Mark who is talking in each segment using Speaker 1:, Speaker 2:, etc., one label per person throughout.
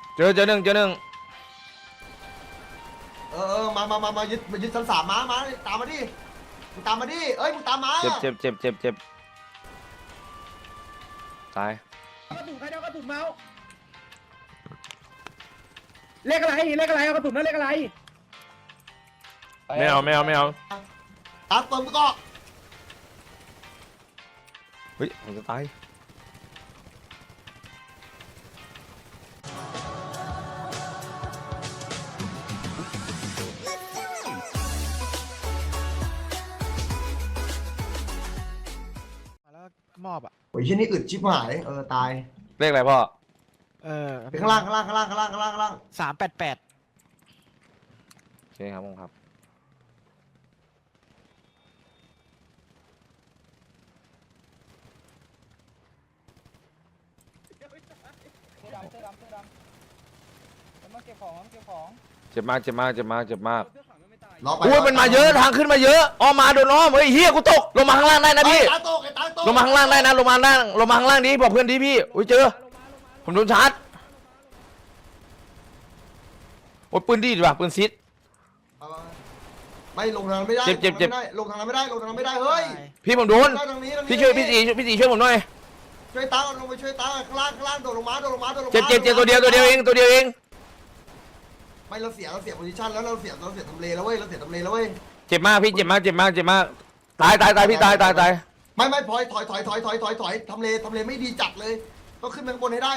Speaker 1: เจอหนึ่ง
Speaker 2: มายึดชั้น3มาตามมาดิมึงตามมาดิเอ้ยมึงตามมา
Speaker 1: เจ็บตาย
Speaker 3: กระตุกใครเอากระตุกเมาส์เลขอะไรเอากระตุกนั่นเลขอะไร
Speaker 1: ไม่เอา
Speaker 2: ตามเติมก็
Speaker 1: เฮ้ยผมจะตาย
Speaker 4: แล้วมอบอ่ะ
Speaker 2: โอ้ยที่นี่อึดชิบหายตาย
Speaker 1: เลขอะไรพ่อ
Speaker 2: ไปข้างล่าง
Speaker 4: 388
Speaker 1: โอเคครับผมครับเจ็บมากอุ้ยมันมาเยอะทางขึ้นมาเยอะอ้อมมาโดนอ้อมเฮ้ยเฮียกูตกลงมาข้างล่างได้นะพี่ลงมาข้างล่างได้นะลงมาข้างล่างดิบอกเพื่อนดิพี่อุ้ยเจอผมโดนชาร์จโอ้ยปืนดีดีป่ะปืนซิด
Speaker 2: ไม่ลงทางไม่ได้ลงทางไม่ได้เฮ้ย
Speaker 1: พี่ผมโดนพี่ช่วยพี่ตีช่วยผมหน่อย
Speaker 2: ช่วยตาลงไปช่วยตาข้างล่างโดดลงมา
Speaker 1: เจ็บตัวเดียวเอง
Speaker 2: ไม่เราเสียโพซิชั่นแล้วเราเสียทำเลแล้วเว้ย
Speaker 1: เจ็บมากพี่เจ็บมากตายพี่ตาย
Speaker 2: ไม่พลอยถอยทำเลไม่ดีจัดเลยต้องขึ้นไปข้างบนให้ได้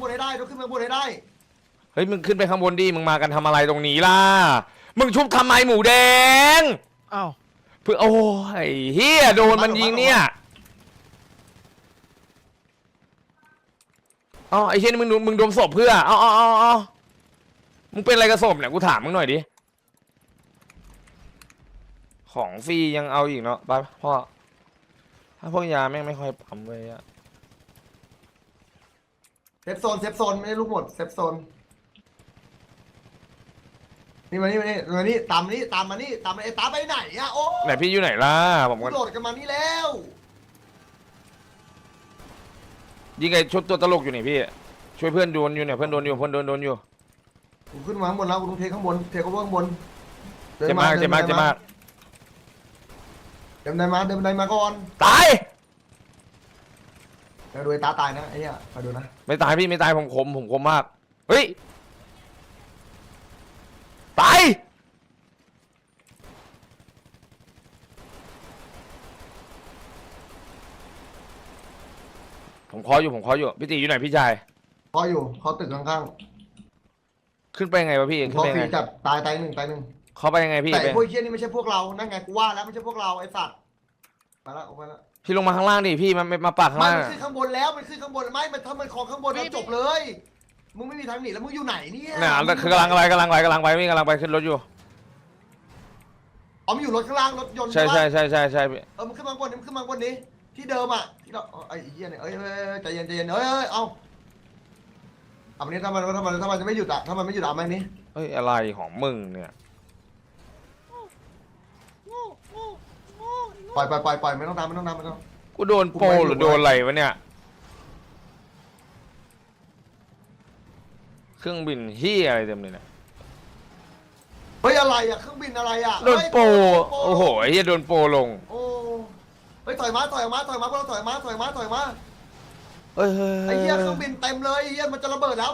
Speaker 1: เฮ้ยมึงขึ้นไปข้างบนดิมึงมากันทำอะไรตรงนี้ล่ะมึงชุบทำไมหมูแดง
Speaker 4: อ้าว
Speaker 1: เพื่อโอ้ยเฮียโดนมันยิงเนี่ยอ๋อไอ้เช่นมึงโดนศพเพื่อเอามึงเป็นอะไรกับศพเนี่ยกูถามมึงหน่อยดิของฟรียังเอาอีกเนาะไปพ่อถ้าพวกยาแม่งไม่ค่อยปั๊มเลยอะ
Speaker 2: เซฟโซนไม่ได้ลูกหมดเซฟโซนนี่มานี่ตามมานี่ตามไปไหนอะโอ้
Speaker 1: ไหนพี่อยู่ไหนล่ะผมก็
Speaker 2: โดดกันมานี่แล้ว
Speaker 1: ยิงไงชุดตัวตลกอยู่นี่พี่ช่วยเพื่อนโดนอยู่เนี่ยเพื่อนโดนอยู่
Speaker 2: ผมขึ้นมาข้างบนแล้วผมเทข้างบนเจ็บมากเดินมาก่อน
Speaker 1: ตาย
Speaker 2: เดี๋ยวดูตาตายนะไอ้เนี่ยมาดูนะ
Speaker 1: ไม่ตายพี่ไม่ตายผมคมมากเฮ้ยตายผมคออยู่พี่ตีอยู่ไหนพี่ชาย
Speaker 2: คออยู่เขาตึกข้าง
Speaker 1: ๆขึ้นไปยังไงวะพี่ขึ้นไปยังไง
Speaker 2: จับตายหนึ่ง
Speaker 1: เขาไปยังไงพี่
Speaker 2: แต่พวกเชี่ยนี่ไม่ใช่พวกเรานั่นไงกูว่าแล้วไม่ใช่พวกเราไอ้สัตว์มาแล้ว
Speaker 1: พี่ลงมาข้างล่างดิพี่มันมาปากข้างล่าง
Speaker 2: มันขึ้นข้างบนแล้วมันขึ้นข้างบนไม่มันถ้ามันคอข้างบนแล้วจบเลยมึงไม่มีทางหนีแล้วมึงอยู่ไหนเนี่ย
Speaker 1: น่ะคือกำลังไปพี่กำลังไปขึ้นรถอยู่
Speaker 2: อ๋อมันอยู่รถข้างล่างรถยนต์
Speaker 1: ใช่พี่
Speaker 2: มันขึ้นมาบนนี้ที่เดิมอ่ะที่เราไอ้เหี้ยเนี่ยใจเย็นเอาวันนี้ถ้ามันจะไม่หยุดอ่ะถ้ามันไม่หยุดอ่ะไหมนี้
Speaker 1: เฮ้ยอะไรของมึงเนี่ย
Speaker 2: ปล่อยไม่ต้องตาม
Speaker 1: กูโดนโปหรือโดนอะไรวะเนี่ยเครื่องบินเฮียอะไรเต็มเลยนะ
Speaker 2: เฮ้ยอะไรอ่ะเครื่องบินอะไรอ่ะ
Speaker 1: โดนโปโอ้โหเฮียโดนโปลง
Speaker 2: โอ้เฮ้ยถอยมาพวกเราถอยมา
Speaker 1: เฮ้ย
Speaker 2: ไอ้เหี้ยเครื่องบินเต็มเลยไอ้เหี้ยมันจะระเบิดแล้ว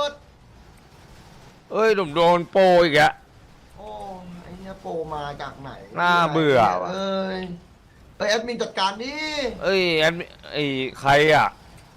Speaker 1: เอ้ยโดนโปอีกอะ
Speaker 2: โอ้ไอ้เหี้ยโปมาจากไหน
Speaker 1: น่าเบื่อ
Speaker 2: เอ้ยแอดมินจัดการดิ
Speaker 1: แอดมินใครอะ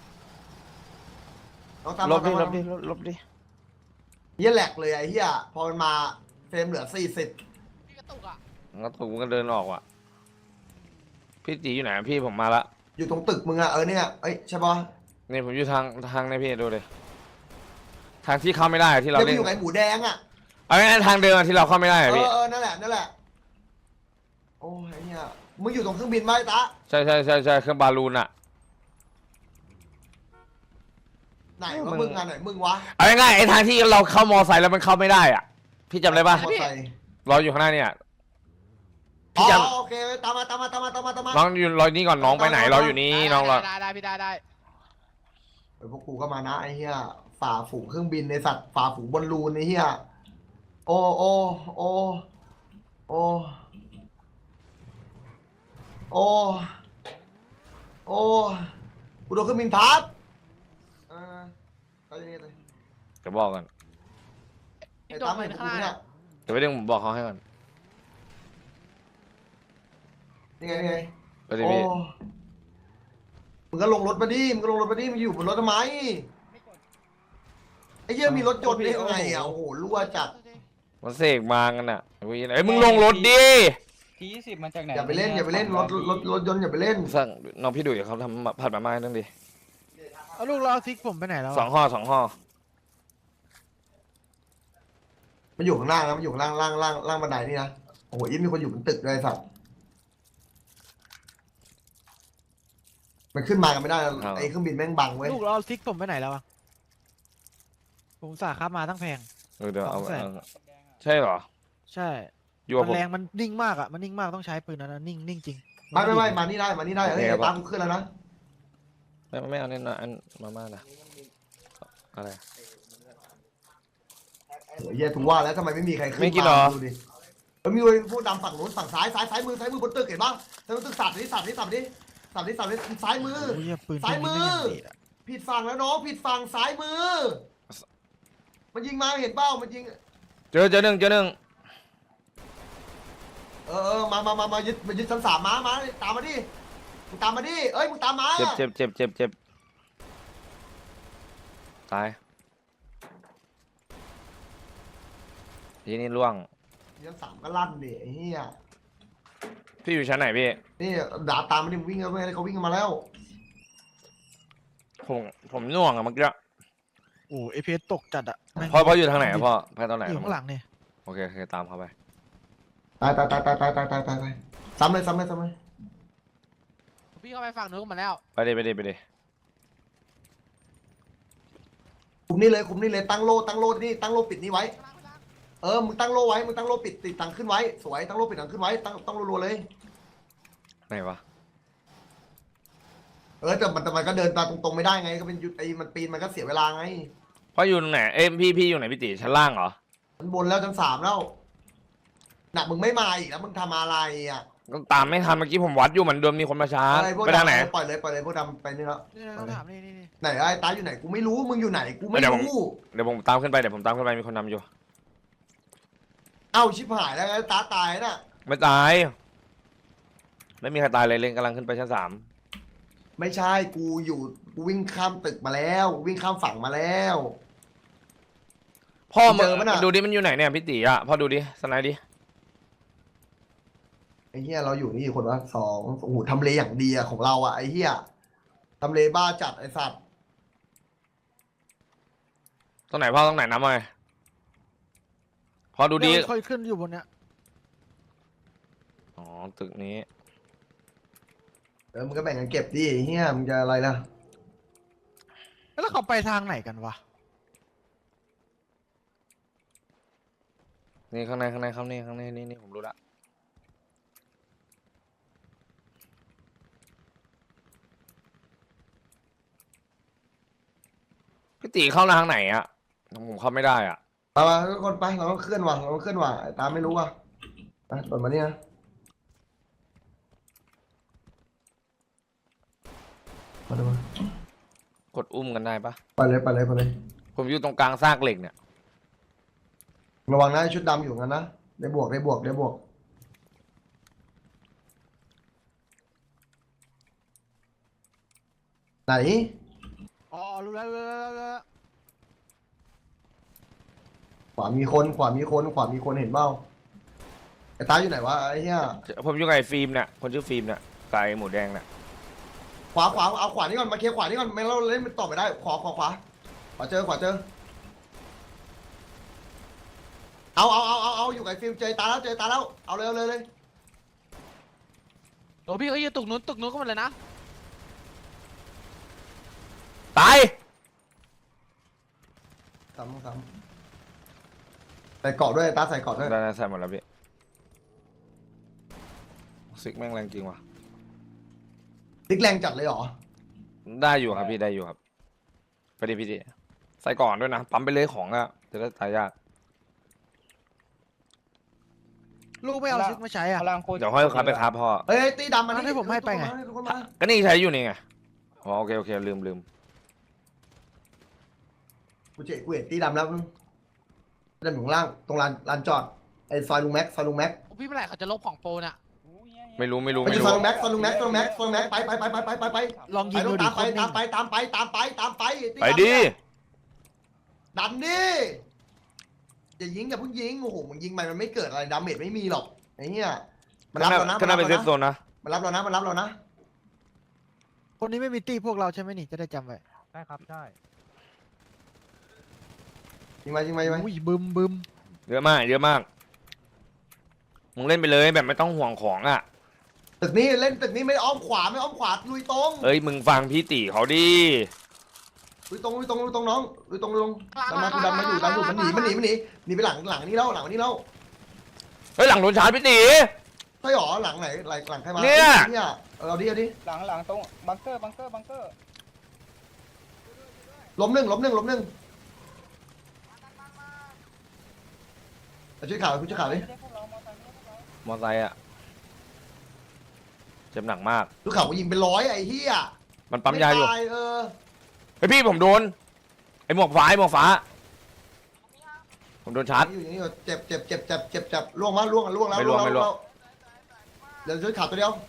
Speaker 1: ลบดิ
Speaker 2: เหี้ยแหลกเลยไอ้เหี้ยพอมันมาเฟรมเหลือ40
Speaker 1: กระตุกมันก็เดินออกว่ะพี่ตีอยู่ไหนพี่ผมมาละ
Speaker 2: อยู่ตรงตึกมึงอะเนี่ยใช่ปะ
Speaker 1: นี่ผมอยู่ทางในพี่ดูเลยทางที่เข้าไม่ได้ที่เราเล่น
Speaker 2: อยู่ไหนหมูแดงอะ
Speaker 1: เอาไงทางเดิมที่เราเข้าไม่ได้พี่
Speaker 2: นั่นแหละโอ้ยเนี่ยมึงอยู่ตรงเครื่องบินไหมตา
Speaker 1: ใช่เครื่องบาลูนอะ
Speaker 2: ไหนวะมึงอะไหนมึงวะ
Speaker 1: เอาง่ายไอ้ทางที่เราเข้ามอไซค์แล้วมันเข้าไม่ได้อ่ะพี่จำได้ปะรออยู่ข้างหน้าเนี่ย
Speaker 2: พี่จำโอเคตามมา
Speaker 1: น้องอยู่รอนี่ก่อนน้องไปไหนรออยู่นี่น้องรอ
Speaker 4: ได้พี่ได้
Speaker 2: พวกกูก็มานะไอ้เหี้ยฝ่าฝูงเครื่องบินในสัตว์ฝ่าฝูงบอลลูนไอ้เหี้ยโอ้โอ้โอ้โอ้โอ้โอ้กูโดนเครื่องบินทับไปยังไงเลย
Speaker 1: จะบอกกัน
Speaker 2: ไอ้ตามไม่เห็นกูเนี่ย
Speaker 1: เดี๋ยวไปเรื่องผมบอกเขาให้ก่อน
Speaker 2: นี่ไงนี่ไง
Speaker 1: ไปดิ
Speaker 2: โอ้
Speaker 1: พี่
Speaker 2: มึงก็ลงรถมาดิมึงก็ลงรถมาดิมึงอยู่บนรถทำไมไอ้เหี้ยมีรถยนต์ได้ยังไงอ่ะโอ้โหรั่วจัด
Speaker 1: มันเสกมากันอ่ะไอ้มึงลงรถดิ
Speaker 5: T20มาจากไหน
Speaker 2: อย่าไปเล่นอย่าไปเล่นรถยนต์อย่าไปเล่น
Speaker 1: สั่งน้องพี่ดุยเขาทำผัดมาม่าให้ตั้งดิ
Speaker 4: เอาลูกเราซิกผมไปไหนแล้ว
Speaker 1: สองห่อสองห่อ
Speaker 2: มันอยู่ข้างล่างนะมันอยู่ข้างล่างบันไดนี่นะโอ้โหยิ่งมีคนอยู่บนตึกเลยสัตว์มันขึ้นมากันไม่ได้นะไอ้เครื่องบินแม่งบังเว้ย
Speaker 4: ลูกเราซิกผมไปไหนแล้วอะผมสาครับมาตั้งแพง
Speaker 1: เดี๋ยวเอา
Speaker 4: 200,000
Speaker 1: ใช่เหรอ
Speaker 4: ใช่
Speaker 1: อยู่กับ
Speaker 4: มัน
Speaker 1: ผม
Speaker 4: แรงมันนิ่งมากอะมันนิ่งมากต้องใช้ปืนนั้นนะนิ่งจริง
Speaker 2: ไม่มานี่ได้เฮ้ยตามกูขึ้นแล้วนะ
Speaker 1: ไม่เอาเนี่ยนะอันมาม่านะอะไร
Speaker 2: โอ้ยเหี้ยถูกว่าแล้วทำไมไม่มีใครขึ้น
Speaker 1: ไม่กินเหรอ
Speaker 2: ดูดิมันมีพวกดำฝั่งนู้นฝั่งซ้ายมือบนตึกเห็นปะซ้ายมือตึกสับดิซ้ายมือ
Speaker 4: โอ้ยปืน
Speaker 2: ซ้ายมือ
Speaker 4: พวกนี้ไอย่างดีอะ
Speaker 2: ผิดฝั่งแล้วน้องผิดฝั่งซ้ายมือ มันยิงมาเห็นเป้ามันยิง
Speaker 1: เจอหนึ่ง
Speaker 2: มายึดชั้น3มาตามมาดิมึงตามมาดิเอ้ยมึงตามมา
Speaker 1: เจ็บตายทีนี้ล่วง
Speaker 2: ชั้น3ก็ลั่นดิไอ้เหี้ย
Speaker 1: พี่อยู่ชั้นไหนพี่
Speaker 2: นี่ด่าตามมาดิมึงวิ่งกันไปเขาวิ่งกันมาแล้ว
Speaker 1: ผมน่วงอะเมื่อกี้
Speaker 4: โอ้เอพีเอสตกจัดอะแม่ง
Speaker 1: พ่ออยู่ทางไหนอะพ่อไปตอนไหน
Speaker 4: อยู่ข้างหลังเนี่ย
Speaker 1: โอเคตามเขาไป
Speaker 2: ตายซ้ำเลย
Speaker 5: พี่เข้าไปฝั่งนู้นมาแล้ว
Speaker 1: ไปดิ
Speaker 2: คุมนี่เลยตั้งโล่นี่ตั้งโล่ปิดนี่ไว้มึงตั้งโล่ไว้มึงตั้งโล่ปิดติดตังขึ้นไว้สวยตั้งโล่ปิดตังขึ้นไว้ตั้งรัวๆเลย
Speaker 1: ไหนวะ
Speaker 2: แต่มันก็เดินตามตรงๆไม่ได้ไงก็เป็นยุดไอ้มันปีนมันก็เสียเวลาไง
Speaker 1: พ่ออยู่ตรงไหนพี่อยู่ไหนพี่ติชั้นล่างเหรอ
Speaker 2: มันบนแล้วชั้น3แล้วน่ะมึงไม่มาอีกแล้วมึงทำอะไรอ่ะ
Speaker 1: ก็ตามไม่ทันเมื่อกี้ผมวัดอยู่เหมือนเดิมมีคนมาชาร์จ
Speaker 2: อะไรพวก
Speaker 1: ไปทางไหน
Speaker 2: ปล่อยเลยพวกดำไปนี่แล้ว
Speaker 4: นี่ต้องถามนี่
Speaker 2: ไหนไอ้ตาอยู่ไหนกูไม่รู้มึงอยู่ไหนกูไม่
Speaker 1: เดี๋ยวผม
Speaker 2: รู้
Speaker 1: เดี๋ยวผมตามขึ้นไปมีคนนำอยู่
Speaker 2: เอ้าชิบหายแล้วไอ้ตาตายน่ะ
Speaker 1: ไม่ตายไม่มีใครตายเลยเล่นกำลังขึ้นไปชั้น3
Speaker 2: ไม่ใช่กูวิ่งข้ามตึกมาแล้ววิ่งข้ามฝั่งมาแล้ว
Speaker 1: พ่อ
Speaker 2: เจอปะน่ะ
Speaker 1: ดูดิมันอยู่ไหนเนี่ยพี่ติอ่ะพ่อดูดิสไนด์ดิ
Speaker 2: ไอ้เหี้ยเราอยู่นี่คนละ2โอ้โหทำเลอย่างดีอะของเราอะไอ้เหี้ยทำเลบ้าจัดไอ้สัตว์
Speaker 1: ตรงไหนพ่อตรงไหนน้ำมาพ่อดูดิ
Speaker 4: ค่อยขึ้นอยู่บนเนี้ย
Speaker 1: อ๋อตึกนี้
Speaker 2: มึงก็แบ่งกันเก็บดิไอ้เหี้ยมึงจะอะไรล่ะ
Speaker 4: แล้วเขาไปทางไหนกันวะ
Speaker 1: นี่ข้างในนี่ผมรู้ละพี่ติเข้าทางไหนอ่ะผมเข้าไม่ได้อ่ะ
Speaker 2: มาทุกคนไปเราต้องเคลื่อนว่ะไอ้ตาไม่รู้ว่ะไปเปิดมาเนี่ยมาดูมาก
Speaker 1: ดอุ้มกันได้ปะ
Speaker 2: ไปเลย
Speaker 1: ผมอยู่ตรงกลางซากเหล็กเนี่ย
Speaker 2: ระวังนะชุดดำอยู่กันนะได้บวกไหน
Speaker 4: อ๋อรู้แล้ว
Speaker 2: ขวามีคนเห็นเปล่าไอ้ตาอยู่ไหนวะไอ้เหี้ย
Speaker 1: ผมอยู่กับไอ้ฟิล์มเนี่ยคนชื่อฟิล์มเนี่ยไก่หมูแดงเนี่ย
Speaker 2: ขวาเอาขวานี่ก่อนมาเคลียร์ขวานี่ก่อนไม่เราเล่นต่อไม่ได้ขวาเจอเอาอยู่กับไอ้ฟิล์มเจอตาแล้วเอาเลย
Speaker 5: โอ้พี่เขาอยู่ตุกนู้นก็หมดเลยนะ
Speaker 1: ตาย
Speaker 2: ซ้ำใส่เกาะด้วยตาใส่เกาะด้วย
Speaker 1: ได้ใส่หมดแล้วพี่ซิกแม่งแรงจริงว่ะ
Speaker 2: ติ๊กแรงจัดเลยเหรอ
Speaker 1: ได้อยู่ครับพี่ได้อยู่ครับไปดิพี่ดิใส่ก่อนด้วยนะปั๊มไปเลยของอะจะได้ตายยาก
Speaker 4: ลูกไม่เอาชุดมาใช้อ่ะ
Speaker 1: เดี๋ยวค่อยครับไปครับพ่อ
Speaker 2: เฮ้ยตีดำมัน
Speaker 4: ให้ผมให้ไปไง
Speaker 2: คนมา
Speaker 1: ก็นี่ใช้อยู่นี่ไงอ๋อโอเคโอเคลืม
Speaker 2: กูเห็นตีดำแล้วดำอยู่ข้างล่างตรงลานจอดไอ้ซอยลุงแม็ก
Speaker 5: พี่เมื่อไหร่เขาจะลบของโปรน่ะ
Speaker 1: ไม่รู้
Speaker 2: ไปที่ซอยลุงแม็กไป
Speaker 4: ลองยิงดูดิ
Speaker 2: ตามไป
Speaker 1: ไปดิ
Speaker 2: ดันดิอย่ายิงอย่าเพิ่งยิงโอ้โหมึงยิงมันไม่เกิดอะไรดาเมจไม่มีหรอกไอ้เหี้ยมันรับเรานะ
Speaker 1: ก็น่าเป็นเซฟโซนนะ
Speaker 2: มันรับเรานะ
Speaker 4: คนนี้ไม่มีตีพวกเราใช่ไหมนี่จะได้จำไว้
Speaker 5: ใช่ครับใช่
Speaker 2: ยิงไป
Speaker 4: อุ้ยบึม
Speaker 1: เยอะมากมึงเล่นไปเลยแบบไม่ต้องห่วงของอ่ะ
Speaker 2: ตึกนี้เล่นตึกนี้ไม่อ้อมขวาลุยตรง
Speaker 1: เอ้ยมึงฟังพี่ตีเขาดิ
Speaker 2: ลุยตรงน้องลุยตรงลงดันมาอยู่มันหนีไปหลังนี้แล้ว
Speaker 1: เฮ้ยหลังโดนชาร์จพี่ตี
Speaker 2: ใช่หรอหลังไหนหลังใครมา
Speaker 1: เนี่ย
Speaker 2: เอาดิ
Speaker 5: หลังตรงบังเกอร์
Speaker 2: ล้มหนึ่งช่วยข่าวดิ
Speaker 1: มอไซค์อ่ะเจ็บหนักมาก
Speaker 2: ลูกข่าวยิงเป็น100ไอ้เหี้ย
Speaker 1: มันปั๊มยาอยู่
Speaker 2: ไตเออ
Speaker 1: ไอพี่ผมโดนไอหมวกฟ้าผมโดนชาร์จ
Speaker 2: อยู่อย่างนี้เจ็บล่วงแล้ว
Speaker 1: ไม่ล่วง
Speaker 2: เดี๋ยวช่วยข่าวตัวเดียว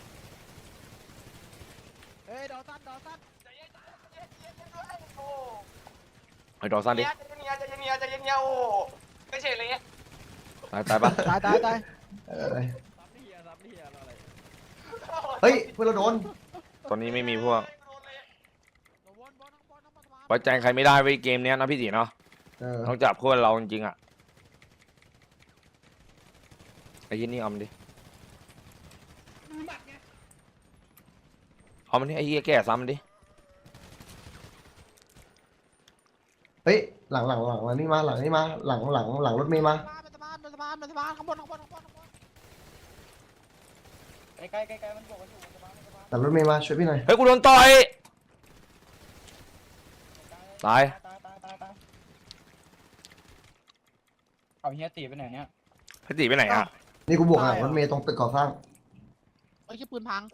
Speaker 4: เฮ้ยดอสัน
Speaker 1: ไอดอสันดิ
Speaker 5: ใจเย็นโอ้ไม่ใช่อะไรเงี้ย
Speaker 1: ตายปะ
Speaker 4: ตาย
Speaker 2: เฮ้ยเพื่อนเราโดน
Speaker 1: ตอนนี้ไม่มีพวกไว้ใจใครไม่ได้ไว้ยเกมเนี้ยนะพี่ตีเนาะต้องจับเพื่อนเราจริงๆอ่ะไอ้ยี่นี่เอามันดิเอามันดิไอ้ยี่แก่ซ้ำมันดิ
Speaker 2: เฮ้ยหลังนี่มาหลังรถเมย์มา
Speaker 5: สะพานข้างบนใกล้มันบอกกันอยู่สะพาน
Speaker 2: หลังรถเมย์มาช่วยพี่หน่อย
Speaker 1: เฮ้ยกูโดนต่อยตาย
Speaker 5: เอาเฮียตีไปไหนเนี่ย
Speaker 1: พี่ตีไปไหนอ่ะ
Speaker 2: นี่กูบวกหลังรถเมย์ตรงตึกก่อสร้าง
Speaker 5: ไอ้แค่ปืนพัง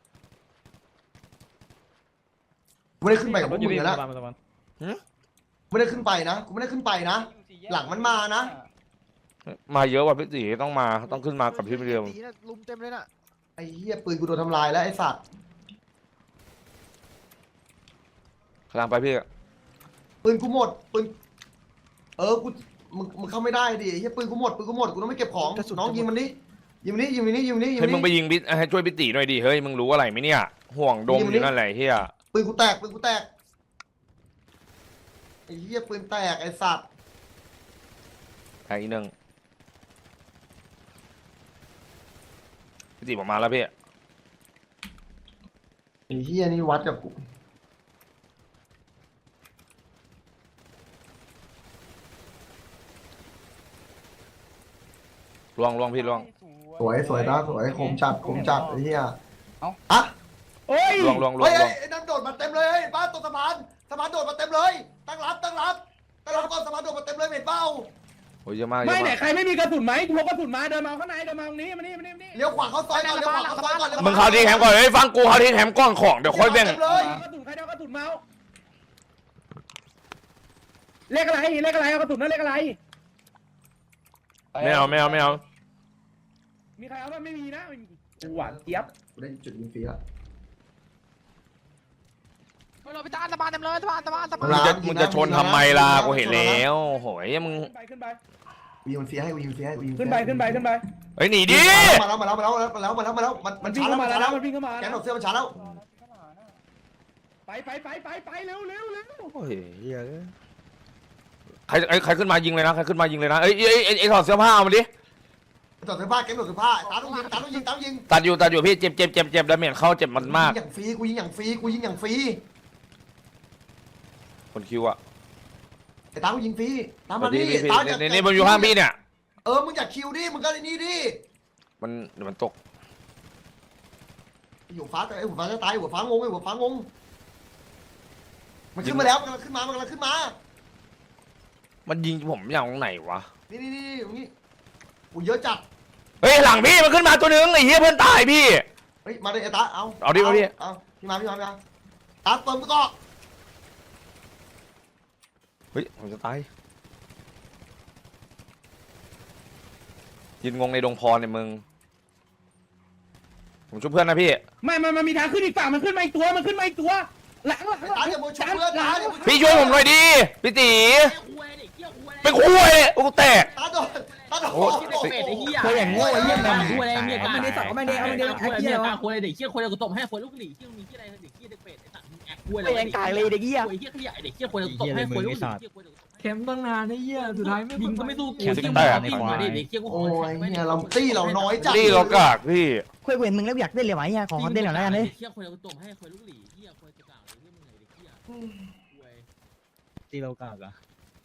Speaker 2: กูไม่ได้ขึ้นไปกับพวกมึงนะไม่ได้ขึ้นไปนะหลังมันมานะ
Speaker 1: มาเยอะกว่าพี่ตีต้องมาต้องขึ้นมากับพี่เดียว
Speaker 4: ตีนะลุมเต็มเลยน่ะ
Speaker 2: ไอ้เหี้ยปืนกูโดนทำลายแล้วไอ้สัตว์
Speaker 1: กำลังไปพี่
Speaker 2: ปืนกูหมดปืนกูมึงเข้าไม่ได้ดิไอ้เหี้ยปืนกูหมดกูต้องไม่เก็บของน้องยิงมันดิยิงนี่
Speaker 1: ให้มึงไปยิงพี่ให้ช่วยพี่ตีหน่อยดิเฮ้ยมึงรู้อะไรไหมเนี่ยห่วงดมอยู่นั่นแหละเฮีย
Speaker 2: ปืนกูแตกไอ้เหี้ยปืนแตกไอ้สัตว์
Speaker 1: แทงอีกหนึ่งพี่ตีผมมาแล้วพี่
Speaker 2: ไอ้เหี้ยนี่วัดกับกู
Speaker 1: ล่วงพี่ล่วง
Speaker 2: สวยนะสวยคมจัดไอ้เหี้ยอะ
Speaker 3: โอ้ย
Speaker 1: ล่วง
Speaker 2: เฮ้ยไอ้นั่นโดดมาเต็มเลยบ้านตรงสะพานโดดมาเต็มเลยตั้งรับก่อนสะพานโดดมาเต็มเลยเห็นเปล่า
Speaker 1: โอ้ยเยอะมาก
Speaker 3: ไม่ไหนใครไม่มีกระสุนไหมพกกระสุนมาเดินมาข้างในเดินมาตรงนี้มานี่
Speaker 2: เลี้ยวขวาเข้าซอยก่อน
Speaker 1: มึงเขาทิ้งแฮมก่อนเฮ้ยฟังกูเขาทิ้งแฮมก้อนของเดี๋ยวค่อยแบ่ง
Speaker 3: กระสุนใครเอากระสุนมาเลขอะไรเอากระสุนนั่นเลขอะไร
Speaker 1: ไม่เอา
Speaker 3: มีใครเอาบ้างไม่มีนะหวานเจี๊ยบ
Speaker 2: กูได้จุดยิงฟรีละ
Speaker 5: เราไปตามสะพานเต็มเลยสะพาน
Speaker 1: มึงจะชนทำไมล่ะกูเห็นแล้วโหยมึง
Speaker 3: ขึ้นไป
Speaker 2: ยิงฟรีให้
Speaker 3: ขึ้นไป
Speaker 1: เฮ้ยหนีดิ
Speaker 2: มาแล้วมัน
Speaker 3: วิ่ง
Speaker 2: ช้า
Speaker 3: เข้ามา
Speaker 2: แล้ว
Speaker 3: มันวิ่งเข้ามา
Speaker 2: แกนหนดเสื้อมันช้าแล้ว
Speaker 3: ไปเร็ว
Speaker 1: โอ้ยเหี้ยใครขึ้นมายิงเลยนะเอ้ยถอดเสื้อผ้าเอามาดิ
Speaker 2: ถอดเสื้อผ้าแกนหนดเสื้อผ้าตาต้องยิง
Speaker 1: ตัดอยู่พี่เจ็บดาเมจเข้าเจ็บมันมาก
Speaker 2: กูยิงอย่างฟรี
Speaker 1: คนคิวอ่ะ
Speaker 2: ไอ้ตากูยิงฟรีตามมา
Speaker 1: นี่
Speaker 2: ดิตา
Speaker 1: นี่มันอยู่ข้างพี่เนี่ย
Speaker 2: มึงอยากคิวดิมึงก็ไอ้นี่ดิ
Speaker 1: มันเดี๋ยวมันตก
Speaker 2: หัวฟ้าจะตายหัวฟ้างงมันขึ้นมาแล้วมันกำลังขึ้นมา
Speaker 1: มันยิงผมอย่างตรงไหนวะ
Speaker 2: นี่ตรงนี้กูเยอะจัด
Speaker 1: เฮ้ยหลังพี่มันขึ้นมาตัวนึงไอ้เหี้ยเพื่อนตายพี่
Speaker 2: เฮ้ยมาดิไอ้ตาเอา
Speaker 1: เอาดิเอาดิ
Speaker 2: เอาพี่มาตาเติมก็
Speaker 1: เฮ้ยผมจะตายยืนงงในดงพรเนี่ยมึงผมช่วยเพื่อนนะพี่
Speaker 3: ไม่มันมีทางขึ้นอีกฝั่งมันขึ้นมาอีกตัวหลัง
Speaker 2: ไอ้ตาอย่าโมชเพื่อนตาอย่าโมช
Speaker 1: พี่ช่วยผมหน่อยดิพี่ตีเป็นคุยกูแตก
Speaker 2: ตาโดน
Speaker 1: โอ้ย
Speaker 5: เคยอย่างโง่ไอ้เหี้ยมันคุยอะไรเนี่ย
Speaker 6: ไม่ได้สองไม่ได้เอาไม่ได้แอคเหี้ย
Speaker 5: คุยอะไรเด็กเหี้ยคุยอะไรกูตบให้คุยลูกหลีเหี้ยมีเหี้ยอะไรเด็กเหี้ยเด็กเป็ดไอ้สัตว์แอบคุยอะไร
Speaker 6: ไม่ยังกายเลยเด็กเหี้ย
Speaker 5: คุยเหี้ยขยะเด็กเหี้ยคุยกูตบให้คุยลูกหลีเหี้ยคุย
Speaker 6: เข็มตั้งนานไอ้เหี้ยสุดท้ายไม่
Speaker 5: ยิงก็ไม่สู้กู
Speaker 1: แขน
Speaker 5: เหี้ย
Speaker 1: แตก
Speaker 5: ยิงมาดิเด็กเหี้ยกู
Speaker 2: โอ้ยเนี่ยเราตี้เราน้อยจัด
Speaker 1: นี่เรากากพี่
Speaker 6: คุยเห็นมึงแล้วอยากเต้นเลยไหมเหี้ยขอเต้นหน่อยแล้วกันเลย
Speaker 5: เหี้ยคุยกูตบให้คุยลูกหลีเหี้ยคุยกระต่ายเหี้ยมึงไงเด็กเหี้ยคุย
Speaker 4: ตีเรากากอะ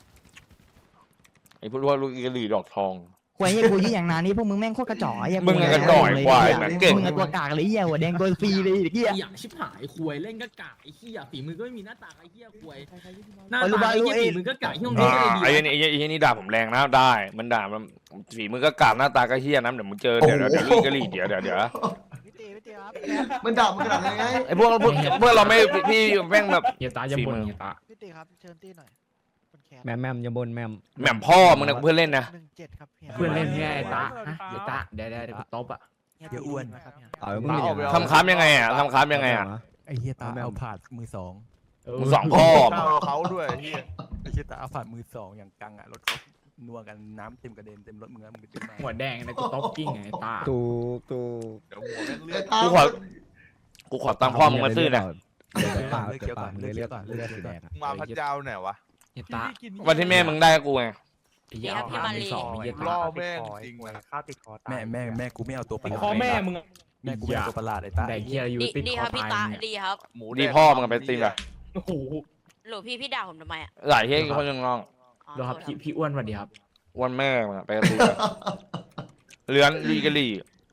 Speaker 1: ไอ้พวกลูกกระหรี่ดอกทอง
Speaker 6: คุยเหี้ยกูยี่อย่างนานนี่พวกมึงแม่งโคตรกระจอกไอ้เหี้ย
Speaker 1: มึงกระจ่อยควายเหมือนเก่ง
Speaker 6: มึงตัวกากเลยเหี้ยหัวแดงตัวฟรีเลยเด็กเหี้ย
Speaker 5: อยากชิบหายคุยเล่นก็กะไอ้เหี้ยฝีมือก็ไม่มีหน้าตาไอ้เหี้ยคุยหน้าตาไอ้เหี้ยฝีมือก็กะที่ตรงนี้ก็เลยดี
Speaker 1: ไอ้ยันนี่ด่าผมแรงนะได้มันด่ามันฝีมือก็กากหน้าตาก็เฮี้ยนะเดี๋ยวมึงเจอเดี๋ยวลูกกระหรี่เดี๋ยว
Speaker 4: พี่ตีครับ
Speaker 2: มันด่ามันขนาดไหน
Speaker 1: ไอ้พวกเราไม่พี่แม่งแบบ
Speaker 7: เฮียตาอย่าบ่นเฮียตา
Speaker 4: พี่ตีครับเชิญตีหน่อยคนแคส
Speaker 7: แมมอย่าบ่นแมม
Speaker 1: แหม่มพ่อมึงนะเพื่อนเล่นนะ
Speaker 4: 17ครับฮีย
Speaker 7: เพื่อนเล่นเฮียไอ้ตาฮะเฮียตาเดี๋ยวกูตบอ่ะ
Speaker 4: เดี๋ยวอ้วนนะครับเฮีย
Speaker 7: เอามึงอย่างนั้น
Speaker 1: ทำค้ำยังไงอ่ะทำค้ำยังไงอ่ะ
Speaker 8: ไอ้เฮียตาเอาผาดมือสอง
Speaker 1: มึงสองพ่อ
Speaker 8: เขาด้วยเฮียไอ้เฮียตาเอาผาดมือสองอย่างกังอ่ะรถเขานัวกันน้ำเต็มกระเด็นเต็มรถมึงแล้วมึงไปขึ้นมา
Speaker 7: หัวแดงนะกูตบกิ้งไงตา
Speaker 8: ตูตู
Speaker 2: ไอ้ตา
Speaker 1: กูขอตังค์พ่อมึงมาซื้อนะ
Speaker 8: ปากเกี่ยวก่อนเลยเลือดก่อนเลือดสีแดง
Speaker 7: มาพระเจ้าไหนวะเฮียตา
Speaker 1: วันที่แม่มึงได้กูไง
Speaker 7: เฮียเอาผ่านสองเฮียตา
Speaker 8: ล่อแม่จริงว่ะ
Speaker 4: ข้าวติดคอตาย
Speaker 8: แม่กูไม่เอาตัวประหลาด
Speaker 3: คอแม่มึง
Speaker 8: แม่กูไม่เอาตัวประหลาดไอ้ตา
Speaker 7: แต่เฮียอยู่ติด
Speaker 9: ดี
Speaker 7: ค
Speaker 9: ค
Speaker 7: อ
Speaker 9: รับพี่
Speaker 7: ตา
Speaker 9: ตาย ดีครับ
Speaker 1: ดีพ่อมึงไปตีนไป
Speaker 3: โอ้โห
Speaker 9: หลวงพี่ด่าผมทำไมอ่ะ
Speaker 1: หลายเฮ้ยคนยังน้อง
Speaker 9: อ๋อ
Speaker 7: ดูครับพี่อ้วนสวัสดีครับ
Speaker 1: วันแม่มึงไปตีนเลื้อนลีกะลี่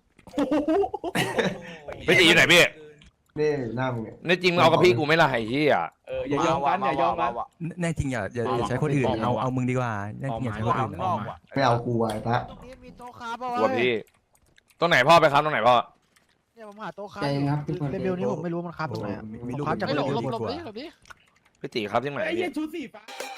Speaker 1: ไปตีอยู่ไหนพี่
Speaker 2: นี่หน้ามึงเนี่ย
Speaker 1: ในจริงมึงเอากับพี่กูไม่ละไอ้เหี้ย
Speaker 3: อย่ายอมกันอย่ายอมกัน
Speaker 8: แน่จริงอย่าใช้คนอื่นเอามึงดีกว่าแน่จริงอย่าใช้คนอื่น
Speaker 2: ไม่เอากูไอ้ตา
Speaker 4: ตรงนี้มีโต๊ะค้าป่ะ
Speaker 1: กลัวพี่ตรงไหนพ่อไปครับตรงไหนพ่อ
Speaker 4: เนี่ยผมหาโต๊ะค้าเลเวลนี้ผมไม่รู้มันค้าตรงไหนอะ
Speaker 8: มีลูก
Speaker 4: ค้าจาก
Speaker 5: ไม่
Speaker 4: เล
Speaker 5: หลบ
Speaker 4: เวล
Speaker 5: หลบ
Speaker 4: นี้
Speaker 5: หลบดิ
Speaker 1: พี่ตีครับที่ไหน
Speaker 3: ไอ้
Speaker 1: พี่
Speaker 3: เหี้ยชุดสีฟ้า